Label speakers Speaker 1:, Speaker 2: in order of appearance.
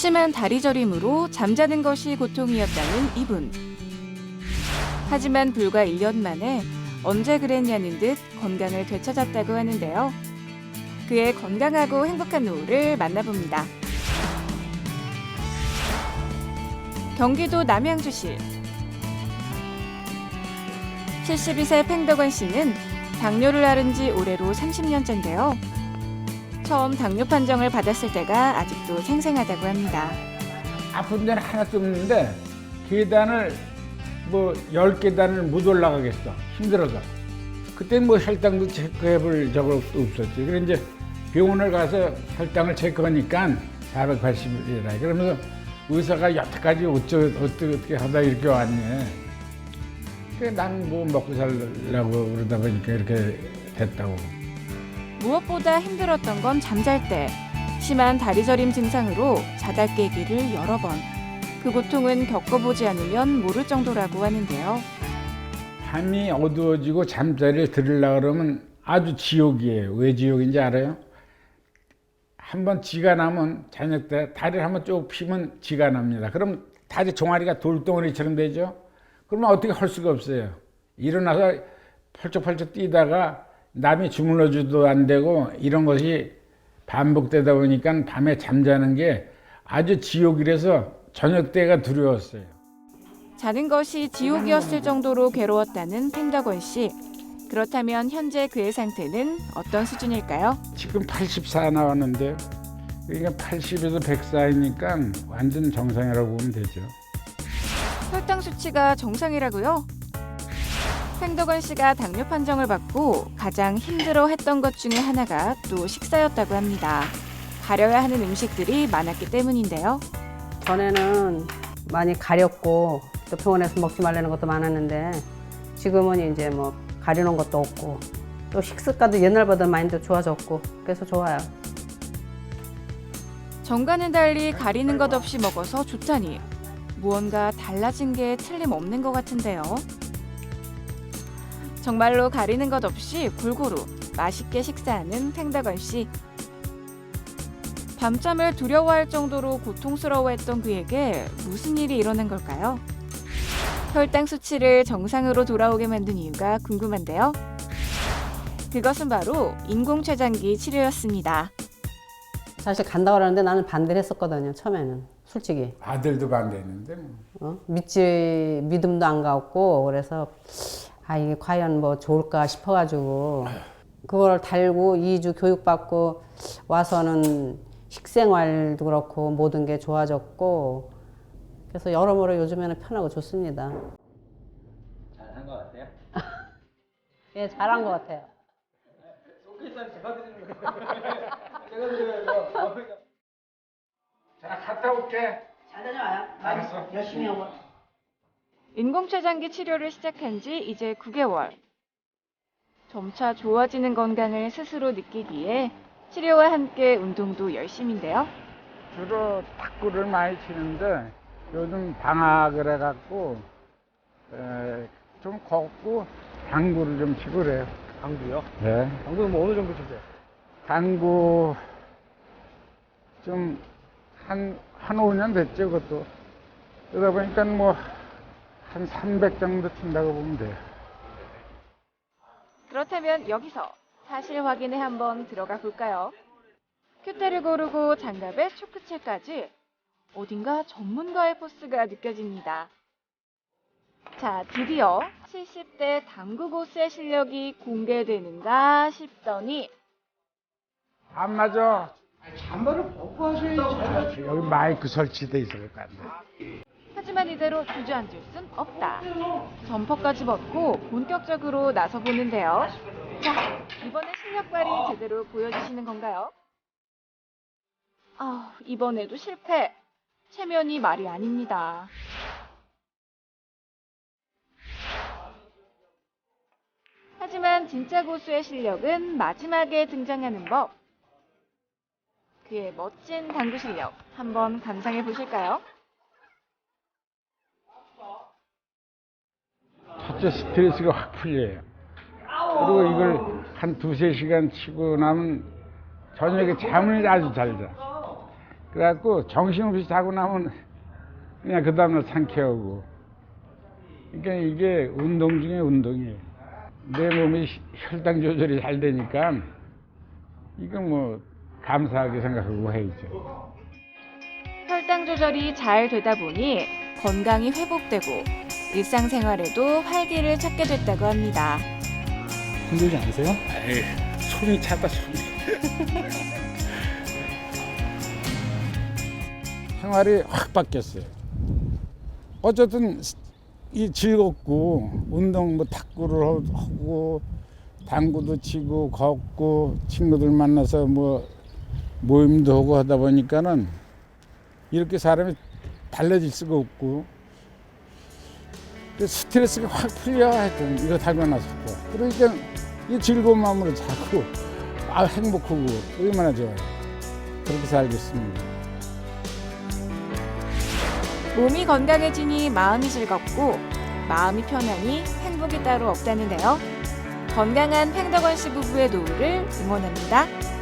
Speaker 1: 심한 다리 저림으로 잠자는 것이 고통이었다는 이분. 하지만 불과 1년 만에 언제 그랬냐는 듯 건강을 되찾았다고 하는데요. 그의 건강하고 행복한 노후를 만나봅니다. 경기도 남양주시 72세 팽덕원 씨는 당뇨를 앓은 지 올해로 30년째인데요. 처음 당뇨 판정을 받았을 때가 아직도 생생하다고 합니다.
Speaker 2: 아픈 데는 하나도 없는데 계단을 10계단을 못 올라가겠어. 힘들어서. 그때는 혈당도 체크해볼 적도 없었지. 그래 이제 병원을 가서 혈당을 체크하니까 480이라. 그러면서 의사가 여태까지 어떻게 하다 이렇게 왔네. 난 뭐 먹고 살려고 그러다 보니까 이렇게 됐다고.
Speaker 1: 무엇보다 힘들었던 건 잠잘 때. 심한 다리 저림 증상으로 자다 깨기를 여러 번. 그 고통은 겪어보지 않으면 모를 정도라고 하는데요.
Speaker 2: 밤이 어두워지고 잠자리에 들으려고 그러면 아주 지옥이에요. 왜 지옥인지 알아요? 한번 지가 나면 저녁 때 다리를 한번 쭉 피면 지가 납니다. 그럼 다리 종아리가 돌덩어리처럼 되죠? 그러면 어떻게 할 수가 없어요. 일어나서 펄쩍펄쩍 뛰다가 남이 주물러줘도 안 되고 이런 것이 반복되다 보니까 밤에 잠자는 게 아주 지옥이라서 저녁 때가 두려웠어요.
Speaker 1: 자는 것이 지옥이었을 정도로 괴로웠다는 팽덕원 씨. 그렇다면 현재 그의 상태는 어떤 수준일까요?
Speaker 2: 지금 84 나왔는데 그러니까 80에서 100 사이니까 완전 정상이라고 보면 되죠.
Speaker 1: 혈당 수치가 정상이라고요? 팽덕원 씨가 당뇨 판정을 받고 가장 힘들어했던 것 중에 하나가 또 식사였다고 합니다. 가려야 하는 음식들이 많았기 때문인데요.
Speaker 3: 전에는 많이 가렸고 또 병원에서 먹지 말라는 것도 많았는데 지금은 이제 뭐 가려놓은 것도 없고 또 식습관도 옛날보다 많이 더 좋아졌고 그래서 좋아요.
Speaker 1: 전과는 달리 가리는 것 없이 먹어서 좋다니 무언가 달라진 게 틀림없는 것 같은데요. 정말로 가리는 것 없이 골고루 맛있게 식사하는 팽덕원 씨. 밤잠을 두려워할 정도로 고통스러워했던 그에게 무슨 일이 일어난 걸까요? 혈당 수치를 정상으로 돌아오게 만든 이유가 궁금한데요. 그것은 바로 인공췌장기 치료였습니다.
Speaker 3: 사실 간다고 하는데 나는 반대를 했었거든요. 처음에는 솔직히
Speaker 2: 아들도 반대했는데
Speaker 3: 믿음도 안 갔고 그래서 이게 과연 뭐 좋을까 싶어가지고 그걸 달고 2주 교육받고 와서는 식생활도 그렇고 모든 게 좋아졌고 그래서 여러모로 요즘에는 편하고 좋습니다.
Speaker 4: 잘한 것 같아요?
Speaker 3: 예, 잘한 것 같아요.
Speaker 4: 소개팅 제가 드리는 거예요. 제가 드려요.
Speaker 2: 자, 갔다 올게.
Speaker 3: 잘 다녀와요.
Speaker 2: 알았어.
Speaker 3: 열심히 하고.
Speaker 1: 인공췌장기 치료를 시작한 지 이제 9개월. 점차 좋아지는 건강을 스스로 느끼기에 치료와 함께 운동도 열심인데요.
Speaker 2: 주로 탁구를 많이 치는데 요즘 방학을 해갖고 좀 걷고 당구를 좀 치고 그래요.
Speaker 4: 당구요?
Speaker 2: 네.
Speaker 4: 당구는 뭐 어느 정도 치세요?
Speaker 2: 당구 좀 한 5년 됐죠, 그것도. 그러다 보니까 뭐 한 300 정도 친다고 보면 돼요.
Speaker 1: 그렇다면 여기서 사실 확인에 한번 들어가 볼까요? 큐대를 고르고 장갑에 초크칠까지 어딘가 전문가의 포스가 느껴집니다. 자, 드디어 70대 당구 고수의 실력이 공개되는가 싶더니
Speaker 2: 안 맞아.
Speaker 4: 잠바를 벗고 하셔야지.
Speaker 2: 여기 마이크 설치돼 있을 것 같네.
Speaker 1: 하지만 이대로 주저앉을 순 없다. 점퍼까지 벗고 본격적으로 나서보는데요. 자, 이번에 실력 발휘 제대로 보여주시는 건가요? 이번에도 실패. 체면이 말이 아닙니다. 하지만 진짜 고수의 실력은 마지막에 등장하는 법. 그의 멋진 당구 실력 한번 감상해 보실까요?
Speaker 2: 첫째 스트레스가 확 풀려요. 그리고 이걸 한 2~3시간 치고 나면 저녁에 잠을 아주 잘 자. 그래갖고 정신없이 자고 나면 그냥 그 다음날 상쾌하고. 그러니까 이게 운동 중에 운동이에요. 내 몸이 혈당 조절이 잘 되니까 이거 뭐 감사하게 생각하고 해야죠.
Speaker 1: 혈당 조절이 잘 되다 보니 건강이 회복되고 일상생활에도 활기를 찾게 됐다고 합니다.
Speaker 4: 힘들지 않으세요?
Speaker 2: 에이, 손이 차다 손이. 생활이 확 바뀌었어요. 어쨌든 이 즐겁고 운동 뭐 탁구를 하고 당구도 치고 걷고 친구들 만나서 뭐 모임도 하고 하다 보니까는 이렇게 사람이 달라질 수가 없고 스트레스가 확 풀려 하여튼 이거 달고 나서부터. 그러니까 이 즐거운 마음으로 자고 행복하고 얼마나 좋아요. 그렇게 살고 있습니다.
Speaker 1: 몸이 건강해지니 마음이 즐겁고 마음이 편하니 행복이 따로 없다는데요. 건강한 팽덕원 씨 부부의 노후를 응원합니다.